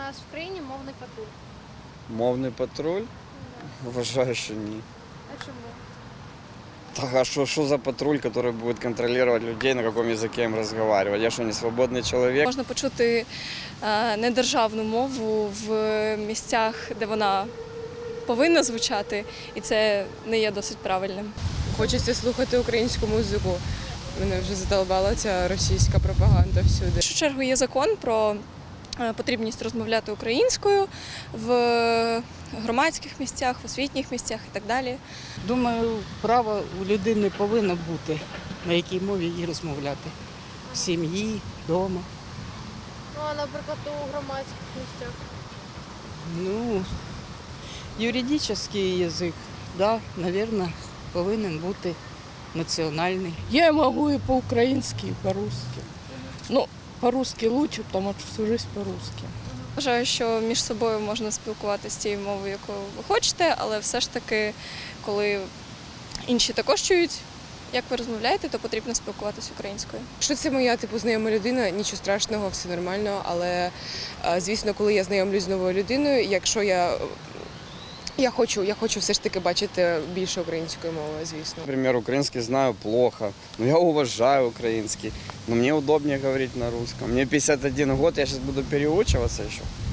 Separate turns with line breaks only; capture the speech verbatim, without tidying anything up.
нас в країні мовний патруль?
Мовний патруль?
Да.
Вважаю, що ні.
А чому?
Так, а что, что за патруль, который будет контролировать людей, на каком языке им разговаривать? Я что, не свободный человек?
Можна почути е, недержавну мову в місцях, де вона повинна звучати, і це не є досить правильним.
Хочеться слухати українську музику. Мене вже задолбала ця російська пропаганда всюди.
В першу чергу є закон про е, потрібність розмовляти українською в громадських місцях, в освітніх місцях і так далі.
Думаю, право у людини повинно бути, на якій мові їй розмовляти. В сім'ї, вдома.
Ну, а, наприклад, у громадських місцях.
Ну, юридичний язик, да, мабуть, повинен бути національний.
Я могу и по-украински, и по-русски. Ну, по-русски лучше, потому что всю жизнь по-русски.
Вважаю, що між собою можна спілкуватися тією мовою, якою ви хочете, але все ж таки, коли інші також чують, як ви розмовляєте, то потрібно спілкуватися українською.
Якщо це моя типу знайома людина, нічого страшного, все нормально. Але е, звісно, коли я знайомлюсь з новою людиною, якщо я, я хочу, я хочу все ж таки бачити більше української мови, звісно.
Например, украинский знаю плохо, но я уважаю украинский. Но мне удобнее говорить на русском. Мне пятьдесят один год, я сейчас буду переучиваться еще.